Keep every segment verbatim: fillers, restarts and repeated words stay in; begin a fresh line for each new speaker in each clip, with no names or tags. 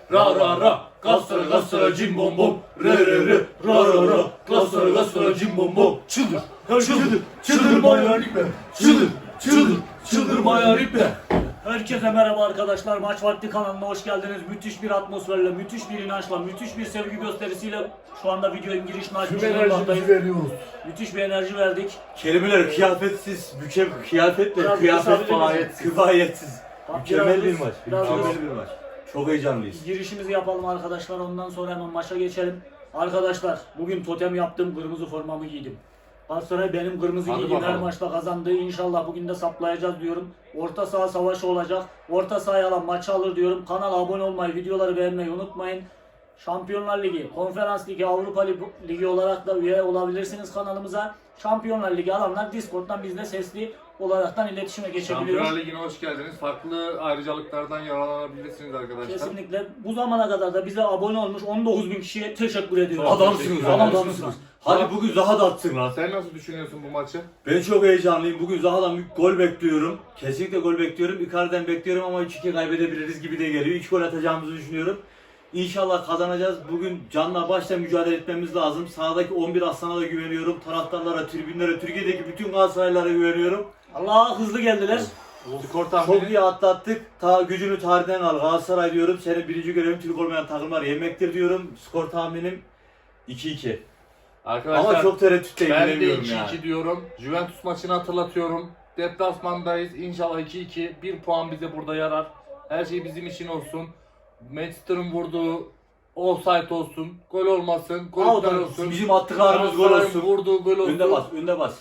ra ra ra. Galatasaray Galatasaray cim bom bom. Re re re ra ra ra. Galatasaray Galatasaray cim bom bom. Çıldır. Çıldır. Çıldırmaya ipe. Çıldır. Çıldır. Çıldırmaya ipe.
Herkese merhaba arkadaşlar. Maç Vakti kanalına hoş geldiniz. Müthiş bir atmosferle, müthiş bir inançla, müthiş bir sevgi gösterisiyle şu anda videonun girişini açmış bulunmaktayız.
veriyoruz.
Müthiş bir enerji verdik.
Kelimeler kıyafetsiz, mükem kıyafetle,
Biraz
kıyafet
kısabilir
fayet,
misiniz?
kifayetsiz.
Bak,
Mükemmel
biraz
bir
hız,
maç.
biraz
Mükemmel
hız.
bir maç. Çok heyecanlıyız.
Girişimizi yapalım arkadaşlar. Ondan sonra hemen maça geçelim. Arkadaşlar bugün totem yaptım. Kırmızı formamı giydim. Galatasaray benim kırmızı
Hadi
giydiğim her
bakalım.
maçta kazandı. İnşallah bugün de saplayacağız diyorum. Orta saha savaşı olacak. Orta sahaya alan maçı alır diyorum. Kanala abone olmayı, videoları beğenmeyi unutmayın. Şampiyonlar Ligi, Konferans Ligi, Avrupa Ligi olarak da üye olabilirsiniz kanalımıza. Şampiyonlar Ligi alanlar Discord'dan bizle sesli olaraktan iletişime geçebiliyoruz.
Şampiyonlar Ligi'ne hoş geldiniz. Farklı ayrıcalıklardan yararlanabilirsiniz arkadaşlar.
Kesinlikle. Bu zamana kadar da bize abone olmuş on dokuz bin kişiye teşekkür ediyorum.
Adamsınız,
Adamsınız.
adamsınız. Hadi bugün Zaha da atsın lan.
Sen nasıl düşünüyorsun bu maçı?
Ben çok heyecanlıyım. Bugün Zaha'dan bir gol bekliyorum. Kesinlikle gol bekliyorum. Icardi'den bekliyorum ama üç iki kaybedebiliriz gibi de geliyor. üç gol atacağımızı düşünüyorum. İnşallah kazanacağız. Bugün canla başla mücadele etmemiz lazım. Sahadaki on bir aslana da güveniyorum. Taraftarlara, tribünlere, Türkiye'deki bütün Galatasaraylılara güveniyorum.
Allah hızlı geldiler.
Skor tahmini.
Çok iyi atlattık. Ta gücünü tarihten al. Galatasaray diyorum. Senin birinci görevin Türk olmayan takımlar yemektir diyorum. Skor tahminim iki iki.
Arkadaşlar
Ama çok tereddütteyim,
ben de
bilemiyorum
iki iki
yani.
diyorum. Juventus maçını hatırlatıyorum. Deplasmandayız. İnşallah iki iki. bir puan bize burada yarar. Her şey bizim için olsun. Manchester'ın vurduğu offside olsun. Gol olmasın. Gol
Out
iptal
olsun.
olsun.
Bizim attıklarımız gol
Galatasaray'ın
olsun.
vurduğu gol olsun.
Önde bas, önde bas.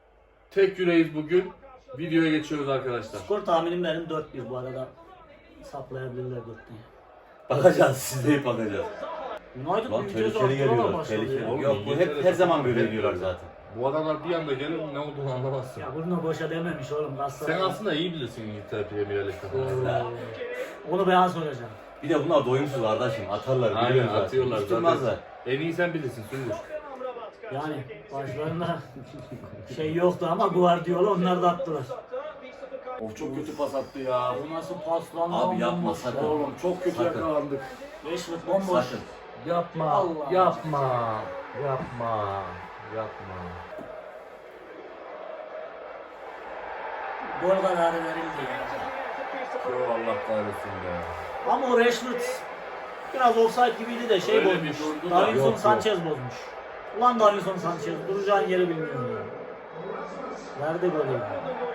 Tek yüreğiz bugün. Videoya geçiyoruz arkadaşlar.
Skor tahminim benim dört bir bu arada. Saplayabilirler dört bir.
Bakacağız, siz de bakacağız.
United
Lan
bir ceza
tehlikeli geliyorlar,
başladı
tehlikeli.
ya.
Oğlum,
Yok bu hep her zaman böyle diyorlar zaten.
Bu adamlar bir anda gelir ne olduğunu anlamazsın.
Ya bunu boşa dememiş oğlum Galatasaray.
Sen aslında iyi bilirsin İngiltere Premier Lig'de.
Oo. Onu ben soracağım.
Bir de bunlar doyumsuz kardeşim, atarlar.
Aynen
biliyoruz zaten.
atıyorlar
Hiç
zaten.
durmazlar.
En iyi sen bilirsin Sungur.
Yani başlarında şey yoktu ama Guardiola onlar da attılar.
Of çok kötü pas attı ya.
Bu nasıl pas lan?
Abi yapma,
bomboş.
sakın.
Oğlum çok kötü
Sakın.
yakalandık.
Rashford bomboş.
Sakın.
Yapma,
Allah.
yapma, yapma, yapma.
Gol kararı verildi ya.
Yo Allah kahretsin be.
Ama o Rashford biraz offside gibiydi de şey
Öyle
bozmuş.
bir durdu da.
Davinson
Yok, yok.
Sanchez bozmuş. Ulan Davinson Sanchez duracağın yeri bilmiyorum ya. Nerede golü ya?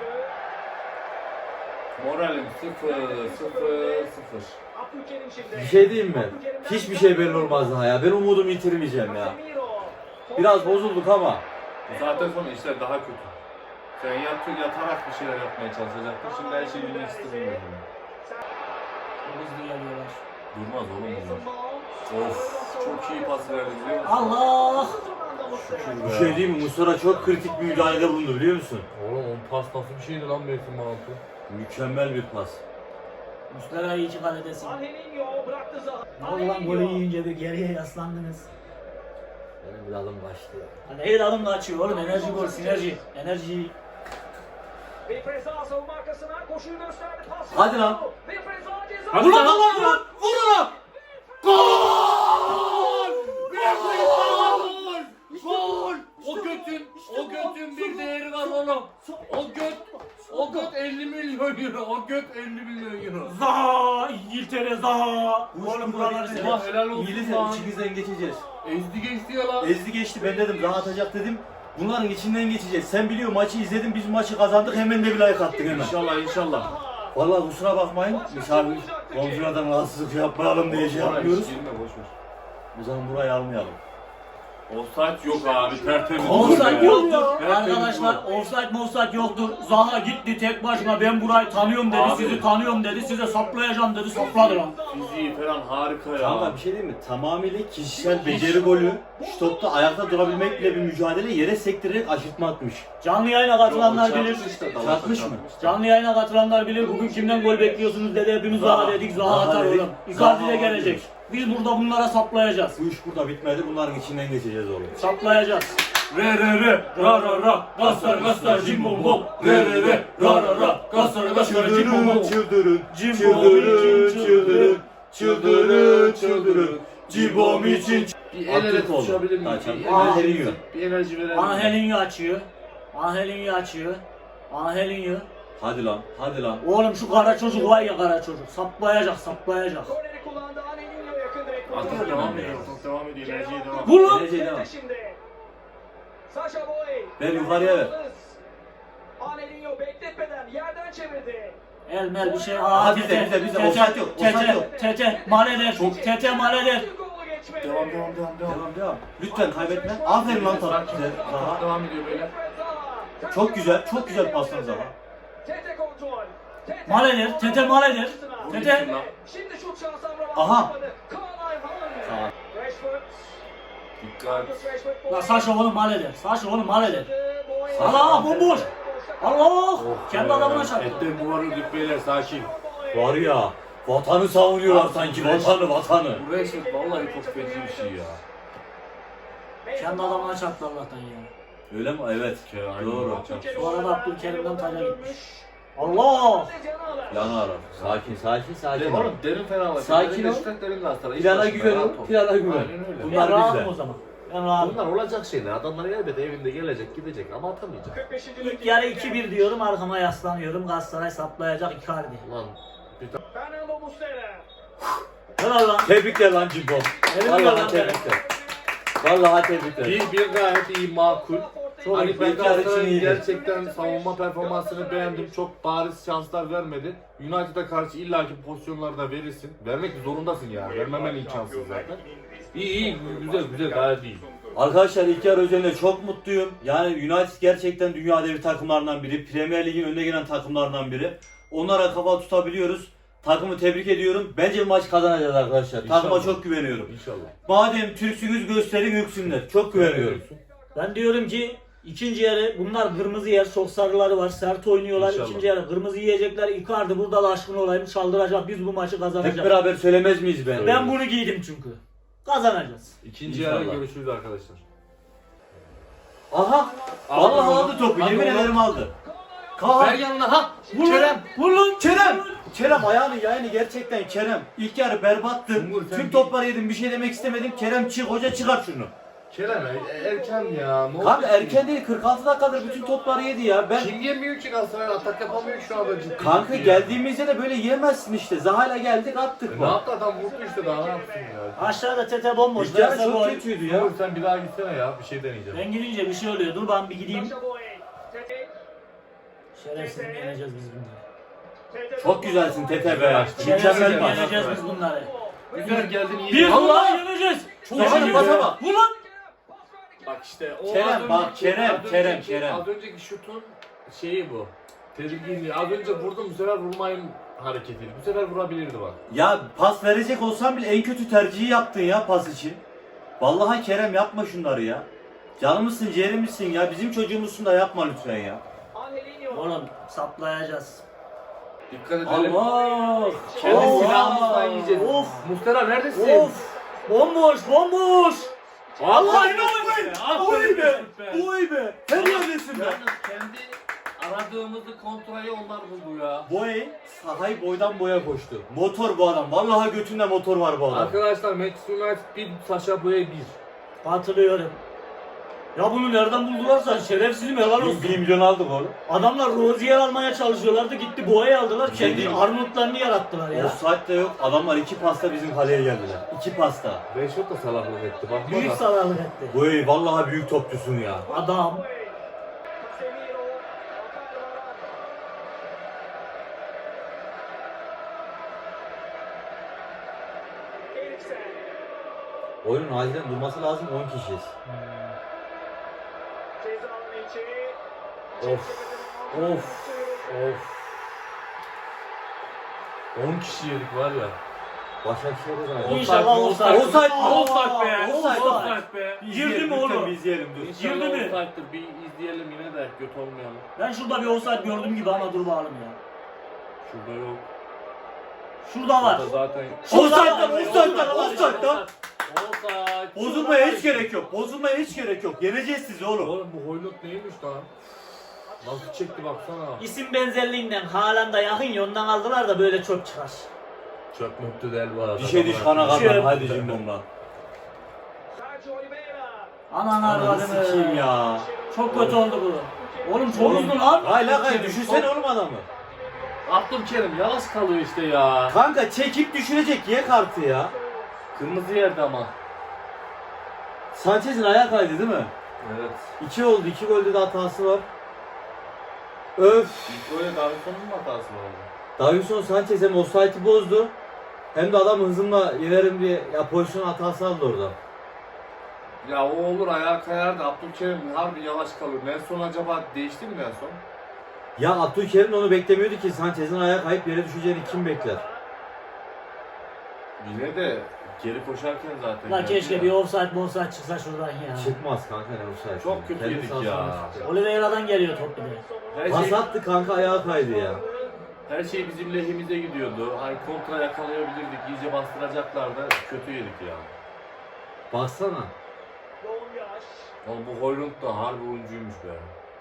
Moralim sıfır, sıfır, sıfır.
Bir şey diyeyim mi? Hiçbir şey belli olmaz daha ya. Ben umudumu yitirmeyeceğim ya. Biraz bozulduk ama.
Bu saatten sonra işler daha kötü. Sen yat, yatarak bir şeyler yapmaya çalışacaktın. Şimdi her şeyi bilmek istemiyorum.
Çok hızlı geliyorlar.
Durmaz oğlum bunlar. Of, çok iyi pas verdi biliyor musun?
Allah!
Şükür
Bir
be.
şey diyeyim mi? Muslera çok kritik bir müdahalede bulundu biliyor musun?
Oğlum o pas nasıl bir şeydi lan Mevsim altı?
Mükemmel bir pas.
Muslera iyi ki kaledesin. Ne oldu lan golü yiyince bir geriye yaslandınız.
Benim bir adım kaçtı ya.
Hani el adımla açıyor oğlum enerji gol sinerji. Enerji.
Hadi lan.
Hadi
Vur
lan
lan
lan
lan! Vur lan! Gol! Gol! Gol!
O götün, o götün bir değeri var oğlum. O göt, o göt elli milyon euro. O göt elli milyon euro.
Zaha! İngiltere Zaha! Oğlum buraları
Ulan
sever.
helal olsun
İngilizce
lan.
içimizden geçeceğiz.
Ezdi geçti ya lan.
Ezdi geçti, ben dedim daha atacak dedim. Bunların içinden geçeceğiz. Sen biliyor maçı izledin, biz maçı kazandık, hemen de bir like attık hemen.
İnşallah inşallah.
Vallahi kusura bakmayın, misafir komşulardan rahatsızlık yapmayalım diye şey yapmıyoruz.
Girme boş ver.
O zaman burayı almayalım.
Offside yok abi tertemiz.
Offside
Gol
yok
be.
ya.
Tertemiz
Arkadaşlar
gol.
offside offside yoktur. Zaha gitti tek başına ben burayı tanıyorum dedi.
Abi.
Sizi tanıyorum dedi. Size saplayacağım dedi. Sapladı lan.
Fiziği falan harika ya.
Kanka bir şey diyeyim mi? Tamamıyla kişisel beceri golü. Şu topta ayakta durabilmekle bir mücadele, yere sektirerek aşırtma atmış.
Canlı yayına katılanlar
Yok,
bilir.
çarpmış işte, dalakta
Çarpmış mı?
çarpmış.
Canlı yayına katılanlar bilir. Bugün kimden gol bekliyorsunuz dedi. Hepimiz Zaha dedik. Zaha
Zaha
atar
dedik.
oğlum. Icardi de
Zaha
gelecek.
diyoruz.
Biz burada bunlara saplayacağız.
Bu iş burada bitmedi, bunların içinden geçeceğiz oğlum.
Saplayacağız.
Re re re, ra ra ra, Galatasaray Galatasaray cim bom bom. Re re re, ra ra ra, Galatasaray Galatasaray cim bom bom. Çıldırın,
Cim bom,
çıldırın,
cim,
çıldırın. Çıldırın çıldırın. Cibom için.
Bir el ele
Attık oğlum.
tutuşabilir miyim?
Kaçan.
Bir
Aa.
enerji, bir enerji verelim.
Angelinho açıyor. Angelinho açıyor. Angelinho.
Hadi lan, hadi lan.
Oğlum şu kara çocuk var ya kara çocuk. Saplayacak saplayacak.
Korneri kullandı. Angelinho yakın direkt vurdu.
Atıyor, devam ediyor. Top devam ediyor. Enerjiye devam.
Vur lan.
Geleceğe devam.
Şimdi. Sasha Boy.
Ver yukarıya ver.
Angelinho bekletmeden yerden çevirdi.
El mel bir şey.
Aha,
Aa
bizde,
tete.
bizde, bizde.
Tete,
Offside yok, offside
Tete.
yok.
Tete. Maleler. Tete maleler.
Bir golu geçmedi.
Devam devam devam devam.
Devam devam. Lütfen kaybetme. Aferin lan Taha.
Top devam ediyor böyle.
Çok güzel, çok güzel paslar Zaha.
Tete kontrol. Tete.
Maleler. Tete maleler. Tete.
Şimdi şut şansı Amrabat.
Aha.
Kaan Ayhan.
Sağ.
Rashford.
Dikkat.
Marcus Rashford.
La Saşa oğlum maleler. Saşa oğlum maleler.
Boy.
Allah bomboş. Allah.
Oh
Kendi
be.
adamına çarptı.
Etten duvarı ördük beyler, sakin.
Var ya, vatanı savunuyorlar sanki, vatanı, vatanı.
Bu Rashford vallahi çok feci bir şey ya.
Kendi adamına çarptı Allah'tan ya.
Öyle mi? Evet. Doğru.
Bu arada Abdülkerim'den taca gitmiş. Allah.
Yana arar. Sakin, sakin, sakin.
Derin, oğlum derin fenalık.
Sakin ol.
Derin Galatasaray. İlk
Plana
başında
güven
rahat
ol,
ol.
plana güven.
Aynen öyle.
Bunlar
Ben rahatım
bizde.
o zaman. Ben rahatım.
Bunlar olacak şeyler. Adamlar elbette evinde gelecek, gidecek ama atamayacak.
kırk beşinci
İlk yarı iki bir diyorum arkama yaslanıyorum. Galatasaray saplayacak Icardi.
Ulan bir tane
Fernando Muslera.
Helal lan.
Tebrikler lan Cimbo.
Tebrikler
Vallahi
lan.
tebrikler. Vallahi tebrikler.
Bir, bir gayet iyi, makul.
Çok
Hani
iyi.
ben
İlk yarı için
Galatasaray'ın
iyiydi.
gerçekten savunma performansını beğendim. Çok bariz şanslar vermedi. United'a karşı illaki pozisyonlar da verirsin. Vermek zorundasın ya. Vermemen imkansız zaten. İyi iyi, güzel güzel, gayet iyi.
Arkadaşlar ilk yarı özelinde çok mutluyum. Yani United gerçekten dünya devi takımlarından biri. Premier Lig'in önde gelen takımlarından biri. Onlara kafa tutabiliyoruz. Takımı tebrik ediyorum. Bence maç kazanacağız arkadaşlar.
İnşallah.
Takıma çok güveniyorum.
İnşallah.
Madem Türksünüz gösterin yüksünler. Çok güveniyorum.
Ben diyorum ki ikinci yarı bunlar kırmızı yer, çok sarıları var, sert oynuyorlar.
İnşallah.
İkinci yarı kırmızı yiyecekler. Icardi burada da aşkın olayım çaldıracak. Biz bu maçı
Hep
kazanacağız.
beraber söylemez miyiz ben?
Ben bunu giydim çünkü. Kazanacağız.
İkinci
İnşallah.
yarı görüşürüz arkadaşlar.
Aha!
Aldı
Vallahi
onu.
aldı topu.
Aldı
Yemin
onu.
ederim aldı.
Ver
Kaan!
yanına ha!
Vur lan!
Kerem!
Vur lan!
Kerem! Kerem ayağını yayını gerçekten Kerem. İlk yarı berbattın.
Umur, sen
Tüm
bir-
topları yedim. Bir şey demek istemedim. Kerem çık. Hoca çıkar şunu.
Kerem e- erken ya. Ne oldu
Kanka
ki?
erken değil. kırk altı dakikadır bütün topları yedi ya. Ben
Kim yemiyor ki Galatasaray, atak yapamıyor şu anda ciddi.
Kanka
ciddi.
geldiğimizde de böyle yiyemezsin işte. Zaha'yla geldik attık
E,
bu.
ne yaptı adam, vurdu işte, daha ne yapsın ya.
Aşağıda Tete bomboş.
İlk yarı
Verse
çok
gol.
kötüydü ya.
Umur sen bir daha gitsene ya, bir şey deneyeceğim.
Ben gidince bir şey oluyor. Dur ben bir gideyim.
Sasha Boy. Tete.
Şerefsiz yeneceğiz biz bunları.
Tete.
Çok güzelsin Tete be.
Şerefsiz
Mükemmel pas.
yeneceğiz biz bunları.
Güzel geldin, iyi.
Bir
Allah!
bunları yeneceğiz.
Zaha'nın
Yeneceğiz.
pasa bak.
Vur lan!
Bak işte o
Kerem,
az
bak,
önceki-
Kerem,
az
Kerem,
önceki-
Kerem.
Az önceki şutun şeyi bu. Tedirginliği. Az önce vurdum, bu sefer vurmayın hareketiydi. Bu sefer vurabilirdi bak.
Ya pas verecek olsan bile en kötü tercihi yaptın ya pas için. Vallahi Kerem yapma şunları ya. Canımızsın, ciğerimizsin ya. Bizim çocuğumuzsun da yapma lütfen ya.
Angelinho.
Oğlum saplayacağız.
Dikkat edelim.
Allah!
Kendi
Of!
silahımızla yiyeceğiz.
Of!
Muslera neredesin?
Of! Bomboş bomboş!
Allah
Oy be! Oy be! Oy be! Helal olsun be!
Yalnız kendi aradığımızı kontrolü onlar buldu ya.
Boy sahayı boydan boya koştu. Motor bu adam. Vallahi götünde motor var bu adam.
Arkadaşlar Manchester United bir, Sasha Boy'a bir.
Katılıyorum. Ya bunu nereden buldularsa şerefsizim helal olsun.
bir milyon aldık oğlum.
Adamlar Rozier almaya çalışıyorlardı gitti boğayı aldılar kendi
Değil.
armutlarını yarattılar ya.
Offside de yok. Adamlar iki pasta bizim kaleye geldiler. İki pasta.
Rashford da salaklık etti. Bak
Büyük
bak.
zararlık etti.
Boy vallahi büyük topçusun ya.
Adam.
Casemiro. Eriksen.
Oyunun acilen durması lazım. on kişiyiz.
Ceza alanı içi.
Of. Of. Of.
on kişi yedik var ya.
Başakşehir'e de
İnşallah
offside,
offside.
offside,
Aa,
offside be,
offside.
offside be.
Girdi mi oğlum?
Bir izleyelim dur.
İnşallah
Girdi mi?
offside'dir. Bir izleyelim yine de göt olmayalım.
Ben şurada bir offside gördüm gibi ama dur bakalım ya.
Şurada yok.
Şurada var.
Burada zaten.
Offside lan, offside lan, offside lan.
Offside.
Bozulmaya hiç gerek yok. Bozulmaya hiç gerek yok. Yeneceğiz sizi oğlum.
Oğlum bu Hoylund neymiş lan? Nasıl çekti baksana.
İsim benzerliğinden Haaland'a yakın ya ondan aldılar da böyle çok çıkar.
Çok mutlu değil bu arada.
Bir şey diş kana
Bir şey-
kadar haydi Cimbom'la.
Sergio Oliveira.
Anan
Ananı sikeyim
arvadını.
ya.
Çok kötü oldu bu. Oğlum çok uzun lan.
Hayır lan hayır düşünsene oğlum adamı.
Abdülkerim yavaş kalıyor işte ya.
Kanka çekip düşürecek ye kartı ya.
Kırmızı yerde ama.
Sanchez'in ayağı kaydı değil mi?
Evet.
İki oldu. iki golde de hatası var. Öf.
İlk böyle Davidson'un mu hatası var orada?
Davinson Sanchez hem offside'i bozdu. Hem de adam hızımla yenerim diye ya pozisyon hatası aldı orada.
Ya o olur ayağa kayar da Abdülkerim harbi yavaş kalıyor. Nelson acaba değişti mi Nelson?
Ya Abdülkerim onu beklemiyordu ki Sanchez'in ayağı kayıp yere düşeceğini kim bekler?
Yine de geri koşarken zaten.
Lan
geldi
keşke
ya.
bir offside offside çıksa şuradan ya.
Çıkmaz kanka ne offside.
Çok kötü
Kendi
yedik
sahasına
ya.
çıktı.
Oliveira'dan geliyor top bir de.
Her
Pas
şey,
attı kanka ayağı kaydı ya.
her şey bizim lehimize gidiyordu. Hani kontra yakalayabilirdik. İyice bastıracaklardı. Kötü yedik ya.
Baksana.
Yoğun yaş.
Oğlum bu Hoylund da harbi oyuncuymuş be.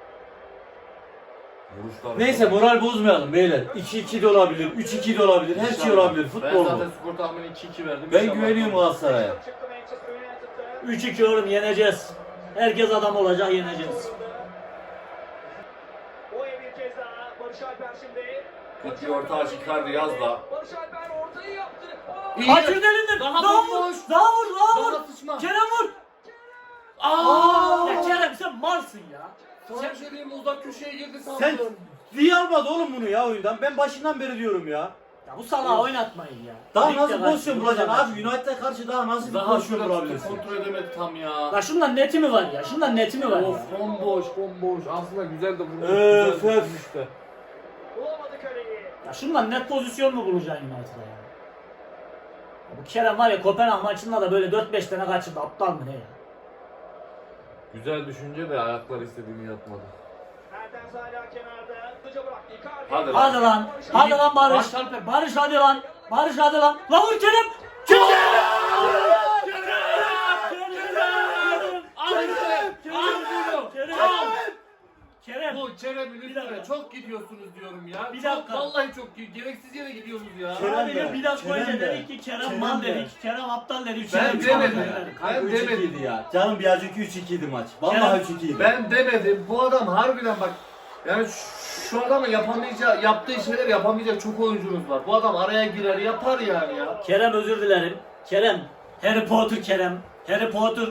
Vuruşlar.
Neyse moral bozmayalım beyler. iki iki de olabilir, üç iki de olabilir, her şey olabilir.
Ben
Futbol bu.
zaten skor tahmini iki iki verdim.
Ben
İnşallah
güveniyorum
olur.
Galatasaray'a.
Çıktı Manchester United'da.
üç iki oğlum yeneceğiz. Herkes adam olacak yeneceğiz.
Oya bir kez daha. Barış Alper şimdi.
Kötü bir orta aç Icardi yaz da.
Barış Alper ortayı yaptı. Aa!
İyi.
Kaçırdı elinden.
Daha
Daha vur.
bomboş.
Daha vur. Daha vur.
Daha sıçma.
Kerem vur.
Aa!
Ya Kerem sen malsın ya.
Sana bir şey diyeyim mi? Uzak köşeye girdi sandım.
Sen niye almadı oğlum bunu ya oyundan? Ben başından beri diyorum ya.
Ya bu salağı oynatmayın ya.
Daha
Ligde
nasıl
kaç-
pozisyon
ligde
bulacaksın
kaç-
abi? United'a karşı daha nasıl bir
Daha
pozisyon
şurada
bulabilirsin?
kontrol edemedi tam ya.
La şundan neti mi var ya? Şundan neti mi var ya?
Of bomboş bomboş. Aslında güzel de vurmuş.
Öf,
güzel de
öf.
vurmuş da.
Bulamadı kaleyi.
Ya şundan net pozisyon mu bulacaksın United'a ya? Ya bu Kerem var ya Kopenhag maçında da böyle dört beş tane kaçırdı. Aptal mı ne ya?
Güzel düşünce de ayaklar istediğini yapmadı.
Mertens hala kenarda. Hızlıca bıraktı. Icardi.
Hadi lan.
Hadi lan. Hadi lan Barış.
Barış Alper.
Barış hadi lan. Barış hadi lan. La vur Kerem. Kerem. Kerem. Kerem.
Bu Kerem'in
Bir
üstüne
dakika.
çok gidiyorsunuz diyorum ya.
Bir
Çok,
dakika.
vallahi çok gereksiz yere gidiyorsunuz ya.
Kerem
Abi
de,
bir dakika
Kerem
önce
de,
dedik ki Kerem
Kerem
mal
de.
dedik. Kerem aptal dedik.
Ben
Kerem
demedim.
çabuk dedik.
Kanka
Ben
üç ikiydi
demedim.
ya. Canım bir önceki üç ikiydi maç. Vallahi üç ikiydi.
Ben demedim. Bu adam harbiden bak. Yani şu- şu adamın yapamayacağı, yaptığı şeyler yapamayacak çok oyuncunuz var. Bu adam araya girer yapar yani ya.
Kerem özür dilerim. Kerem. Harry Potter Kerem. Harry Potter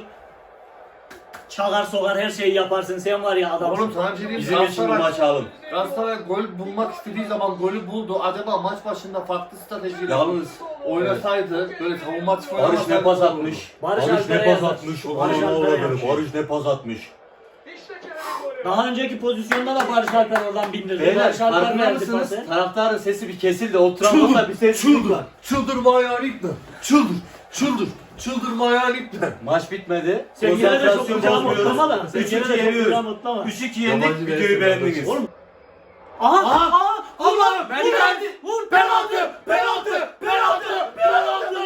çalar sokar her şeyi yaparsın. Sen var ya adam.
Oğlum sana bir şey diyeyim.
Bizim için bu
Galatasaray-
maçı alın.
Galatasaray gol bulmak istediği zaman golü buldu. Acaba maç başında farklı stratejiyle
Yalnız
oynasaydı böyle savunma açık
Barış
oynamasaydı
ne pas
gol olurdu.
atmış.
Barış
Barış,
Alper'e
ne pas
yazar.
atmış.
Barış
Barış,
Alper'e yazar.
Barış ne pas atmış.
İşte Kerem'in golü.
Daha önceki pozisyonda da Barış Alper oradan bindirdi.
Beyler
Barış Alper
farkında
verdi
mısınız?
pası.
Taraftarın sesi bir kesildi. O travmada bir sessizlik var.
Çıldırma hayalikle. Çıldır. Çıldır. Çıldırma hayalikle.
Maç bitmedi.
Sen gene de çok
Konsantrasyon
kucağına
bozmuyoruz.
mutlama da. Sen
üç
gene
iki
de çok
yeniyoruz.
kucağına mutlama.
üç iki yendik.
Yabancı
Videoyu
versiyon
beğendiniz.
kardeşim.
Oğlum. Aha!
Aha!
Aha!
Allah'ım!
Vur!
Vur!
Hadi! Vur!
Penaltı! Penaltı! Penaltı! Penaltı!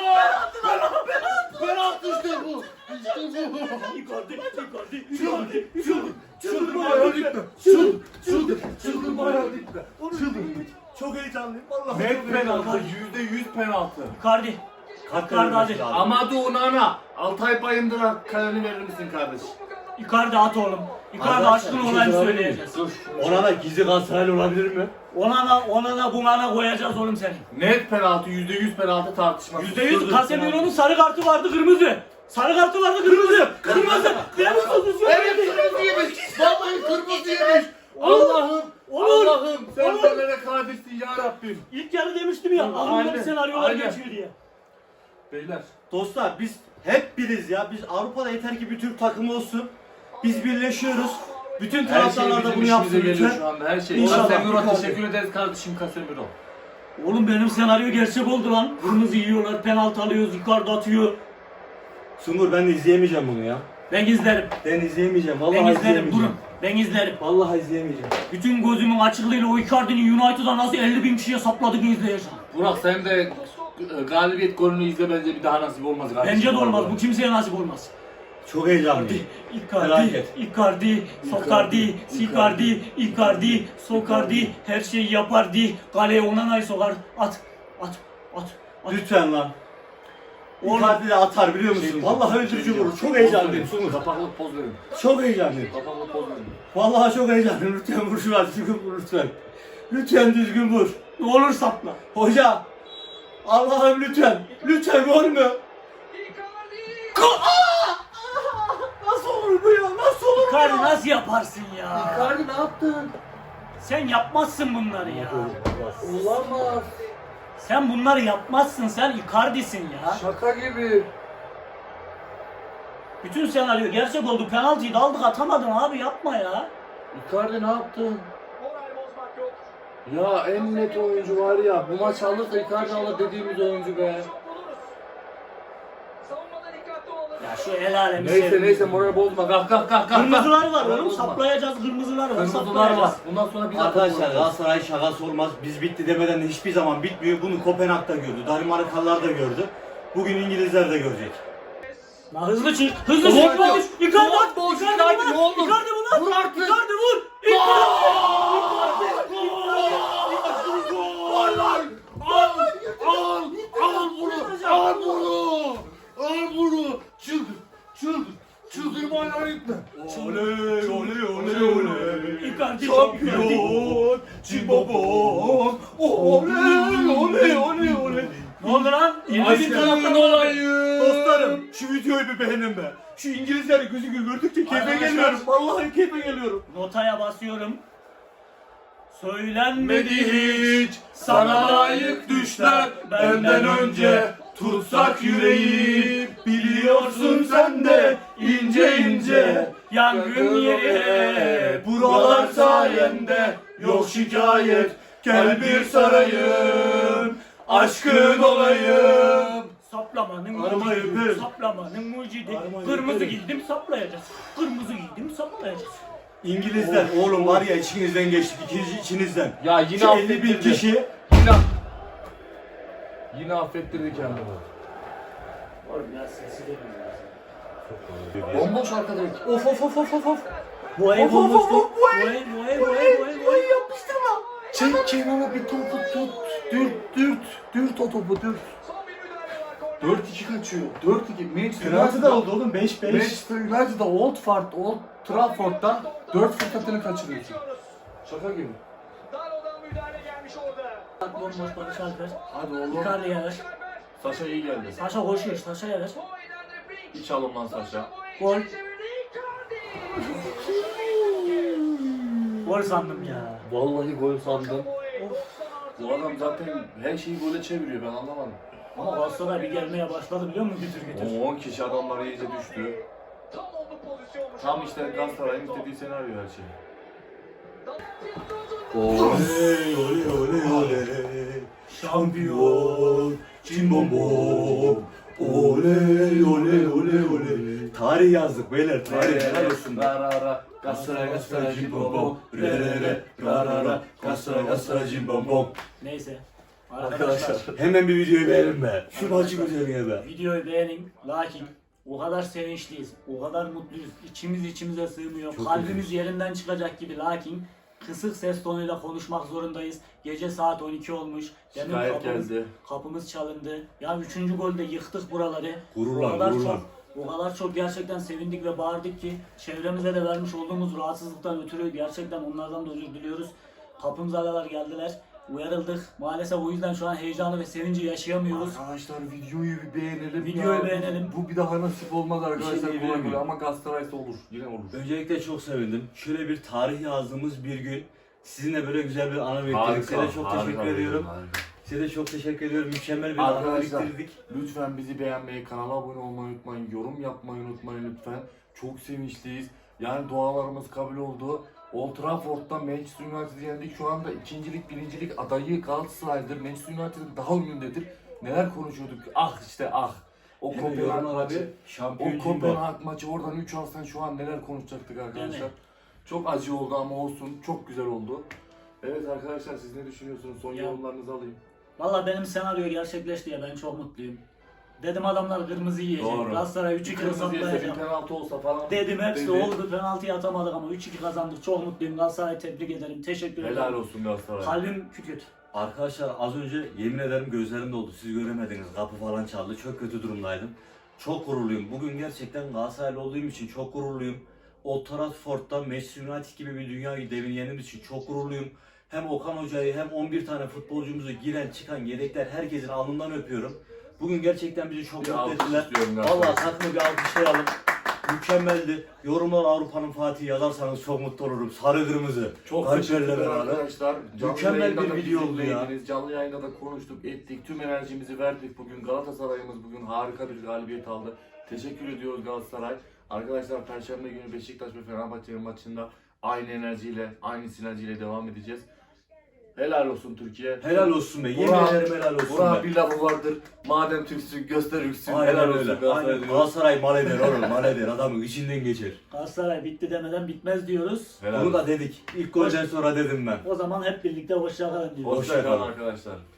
Penaltı işte bu. İşte bu.
Icardi! Icardi!
Çıldır.
Icardi!
Çıldır. Çıldırma hayalikle. Çıldır. Çıldır. Çıldırma hayalikle. Çıldır.
Çok heyecanlıyım. Vallahi
Net penaltı. Yüzde yüz penaltı.
Icardi! Icardi hadi!
Amadou Onana. Altay Bayındır'a kaleni verir misin kardeş?
Icardi at oğlum. Icardi
Arkadaşlar,
aşkın
bir şey
olayını
sorabilir
söyleyeceğiz.
Dur.
Ona da gizli Galatasaraylı olabilir mi?
Ona da ona da buna da koyacağız oğlum seni.
Net penaltı. Yüzde yüz penaltı tartışması.
Yüzde yüz
dur,
Casemiro'nun sarı kartı vardı kırmızı. Sarı kartı vardı kırmızı. Kırmızı. Temiz pozisyon.
Evet kırmızı yemiş. Vallahi kırmızı yemiş. Allah'ım.
Olur.
Allah'ım. Sen
Olur.
nelere kadirsin ya Rabbim.
İlk yarı demiştim ya. Aklımda bir
Aynen,
senaryolar
aynen.
geçiyor diye.
Beyler.
Dostlar biz hep biriz ya. Biz Avrupa'da yeter ki bir Türk takımı olsun. Biz birleşiyoruz. Bütün
Her şey
taraftarlar da
bizim
bunu
işimize
yapsın
geliyor
lütfen.
şu anda. Her şey.
İnşallah.
Casemiro teşekkür ederiz kardeşim Casemiro.
Oğlum benim senaryo gerçek oldu lan. Kırmızı yiyorlar, penaltı alıyoruz, Icardi atıyor.
Sungur ben de izleyemeyeceğim bunu ya.
Ben izlerim.
Ben izleyemeyeceğim. Vallahi
Ben izlerim
izleyemeyeceğim.
durun. Ben izlerim.
Vallahi izleyemeyeceğim.
Bütün gözümün açıklığıyla o Icardi'nin United'a nasıl elli bin kişiye sapladığını izleyeceğim.
Burak sen de e, galibiyet golünü izle bence bir daha nasip olmaz kardeşim.
Bence de olmaz. Bu kimseye nasip olmaz.
Çok heyecanlıyım.
Icardi,
Felaket.
Icardi, Sokardi, Sikardi, Icardi, Sokardi, her şeyi yapardi. Kaleye Onana'yı sokar. At, at, at,
Lütfen lan.
Oğlum.
Icardi de atar biliyor musun?
Şey
Vallahi
diyeceğim,
öldürücü
şey
vurur. Çok
diyeceğim.
heyecanlıyım.
Poz verin. Kapaklık poz verin.
Çok heyecanlıyım.
Kapaklık poz verin.
Vallahi çok heyecanlıyım. Lütfen vur şunu düzgün vur lütfen. Lütfen düzgün vur.
Ne olur sapla.
Hoca. Allah'ım lütfen. Lütfen gol mü? Nasıl olur bu ya? Nasıl olur bu
Icardi
ya?
nasıl yaparsın ya?
Icardi ne yaptın?
Sen yapmazsın bunları ya.
Olamaz.
Sen bunları yapmazsın. Sen Icardi'sin ya.
Şaka gibi.
Bütün senaryo gerçek oldu. Penaltıyı da aldık atamadın abi yapma ya.
Icardi ne yaptın?
Moral bozmak yok.
Ya en net oyuncu var ya. Bu maç alırsa Icardi alır dediğimiz oyuncu be.
Savunmada dikkatli olalım.
Ya şu el alemi
Neyse
sevdim.
neyse moral bozma. Kalk kalk kalk kalk.
Kırmızılar var
Moral
oğlum
bozma.
saplayacağız kırmızılar var
Kırmızılar
saplayacağız.
var. Bundan sonra bir
Arkadaşlar Galatasaray şakası olmaz. Biz bitti demeden de hiçbir zaman bitmiyor. Bunu Kopenhag da gördü. Danimarkalılar da gördü. Bugün İngilizler de görecek.
La hızlı çık. Hızlı
Ulan
çık.
ya.
Icardi. Icardi.
Ulan boş,
Icardi
Icardi
vur.
ne olur.
Icardi vur.
Vur artık.
Icardi vur.
Al lan! Al! Al! Al bunu! Al bunu! Al bunu! Çıldır! Çıldır! Çıldırmayla gitme!
Oley oley oley oley.
Icardi
Şampiyon. Cimbomon. Oley oley oley oley.
Ne oldu lan? elli bin taraftar var.
olayım!
Dostlarım şu videoyu bir beğenin be. Şu İngilizlerin gözü gördükçe keyfe
Arkadaşlar.
geliyorum. Vallahi keyfe geliyorum.
Notaya basıyorum. Söylenmedi
Medi hiç sana layık düşler benden önce tutsak yüreği biliyorsun sen de ince ince
Yangın yeri.
Buralar sayende yok şikayet. Gel bir sarayım. Aşkın olayım.
Saplamanın
Aramayı
mucidi.
ver.
Saplamanın mucidi.
Aramayı
Kırmızı
ver.
giydim saplayacağız. Kırmızı giydim saplayacağız.
İngilizler oğlum var ya içinizden geçtik. İkinci içinizden.
Ya yine
Şu elli bin
affettirdi.
kişi.
Yine Yine affettirdi kendini.
Oğlum ya sesi de
Bomboş arkadaş.
Of of of of of of.
Bu ev
Of, of, of,
olmuştu.
of,
Bu ev, bu ev, bu ev, bu ev, bu ev.
yapıştırma.
Çek kenara bir topu tut. Dürt dürt. Dürt o topu dürt.
Son bir müdahale var. Korner.
dört iki kaçıyor. dört iki. Manchester
Penaltı da
United'da-
oldu oğlum beş beş.
Manchester United'da Old Trafford, Old Trafford'da dört fırsatını kaçırıyorsun. Şaka gibi.
Daro'dan müdahale gelmiş orada.
Bomboş Barış Alper.
Hadi oğlum.
Icardi'ye ver.
Saşa iyi geldi.
Saşa koşuyor. Saşa'ya ver.
Hiç alın lan Saşa.
Gol. Gol sandım ya.
Vallahi gol sandım.
Of.
Bu adam zaten her şeyi gole çeviriyor, ben anlamadım.
Ama Galatasaray bir gelmeye başladı biliyor musun gütür gütür.
O on kişi adamlar iyice düştü.
Tam onlu pozisyonmuş.
Tam işte Galatasaray'ın istediği senaryo her şey.
Oley oley oley oley. Şampiyon. Cimbomon. Oley oley oley oley. Tarih yazdık beyler tarih. Helal olsun.
Ra ra ra. Galatasaray Galatasaray cimbom.
Re re re. Ra ra ra. Galatasaray Galatasaray cimbomon.
Neyse. Arkadaşlar.
Hemen bir videoyu beğenin be. Şu maçı güzel be.
Videoyu beğenin. Lakin o kadar sevinçliyiz. O kadar mutluyuz. İçimiz içimize sığmıyor.
Çok
Kalbimiz
mutluyuz.
yerinden çıkacak gibi. Lakin kısık ses tonuyla konuşmak zorundayız. Gece saat on iki olmuş. Demin
Şikayet
kapımız,
geldi.
kapımız çalındı. Ya üçüncü golde yıktık buraları.
Gururla,
o kadar
gururla.
çok o kadar çok gerçekten sevindik ve bağırdık ki çevremize de vermiş olduğumuz rahatsızlıktan ötürü gerçekten onlardan da özür diliyoruz. Kapımıza kadar geldiler. Uyarıldık. Maalesef o yüzden şu an heyecanı ve sevinci yaşayamıyoruz.
Arkadaşlar videoyu bir beğenelim.
Videoyu
ya.
beğenelim.
Bu bir daha nasip olmaz arkadaşlar.
Bir şey diyebilir
kolay
miyim?
kolay. Ama Galatasaray'sa olur. Yine olur.
Öncelikle çok sevindim. Şöyle bir tarih yazdığımız bir gün sizinle böyle güzel bir anı bekledik. Size de çok
harika
teşekkür
bir
ediyorum.
yorum, harika.
Size de çok teşekkür ediyorum. Mükemmel bir anı
Arkadaşlar
biriktirdik.
lütfen bizi beğenmeyi, kanala abone olmayı unutmayın, yorum yapmayı unutmayın lütfen. Çok sevinçliyiz. Yani dualarımız kabul oldu. Old Trafford'da Manchester United'ı yendik. Şu anda ikincilik, birincilik adayı Galatasaray'dır. Manchester United'ın daha önündedir. Neler konuşuyorduk? Ah işte ah. O
Hemen
Kopenhag
yorumlara
maçı.
bir şampiyon
O
Cimbom.
Kopenhag maçı oradan üç alsan şu an neler konuşacaktık arkadaşlar.
Değil mi?
Çok acı oldu ama olsun. Çok güzel oldu. Evet arkadaşlar siz ne düşünüyorsunuz? Son
Ya.
yorumlarınızı alayım.
Valla benim senaryo gerçekleşti ya ben çok mutluyum. Dedim adamlar kırmızı yiyecek.
Doğru.
Galatasaray üç iki
Kırmızı yese bir
saplayacak.
penaltı olsa falan.
Dedim hepsi
dedi.
oldu. Penaltıyı atamadık ama üç iki kazandık. Çok mutluyum. Galatasaray'ı tebrik ederim. Teşekkür ederim.
Helal olsun Galatasaray.
Kalbim küt küt.
Arkadaşlar az önce yemin ederim gözlerim doldu. Siz göremediniz. Kapı falan çaldı. Çok kötü durumdaydım. Çok gururluyum. Bugün gerçekten Galatasaraylı olduğum için çok gururluyum. Old Trafford'da Manchester United gibi bir dünya devini yendiğimiz için çok gururluyum. Hem Okan Hoca'yı hem on bir tane futbolcumuzu giren çıkan yedekler herkesin alnından öpüyorum. Bugün gerçekten bizi çok
Bir
mutlu
alkış
ettiler.
istiyorum
Vallahi
arkadaşlar.
takımı bir alkışlayalım. Mükemmeldi. Yorumlar Avrupa'nın Fatih'i yazarsanız çok mutlu olurum. Sarı kırmızı.
Çok
Kalplerle
teşekkürler
beraber.
arkadaşlar. Canlı
Mükemmel
yayında
bir
da
video oldu ya.
bizimleydiniz. Canlı yayında da konuştuk, ettik. Tüm enerjimizi verdik bugün. Galatasaray'ımız bugün harika bir galibiyet aldı. Teşekkür ediyoruz Galatasaray. Arkadaşlar Perşembe günü Beşiktaş ve Fenerbahçe'nin maçında aynı enerjiyle, aynı sinerjiyle devam edeceğiz. Helal olsun Türkiye.
Helal olsun be. Yemin
Burak-
ederim helal olsun
Burak'ın
be.
bir lafı vardır. Madem Türksün göster üksün.
Aynen
Helal olsun
öyle.
Galatasaray
Aynen.
diyoruz.
Galatasaray mal eder oğlum. Mal eder. Adamın içinden geçer.
Galatasaray bitti demeden bitmez diyoruz.
Helal
Bunu da
olsun.
dedik. İlk golden sonra dedim ben.
O zaman hep birlikte hoşça kalın diyoruz.
Hoşça kalın arkadaşlar.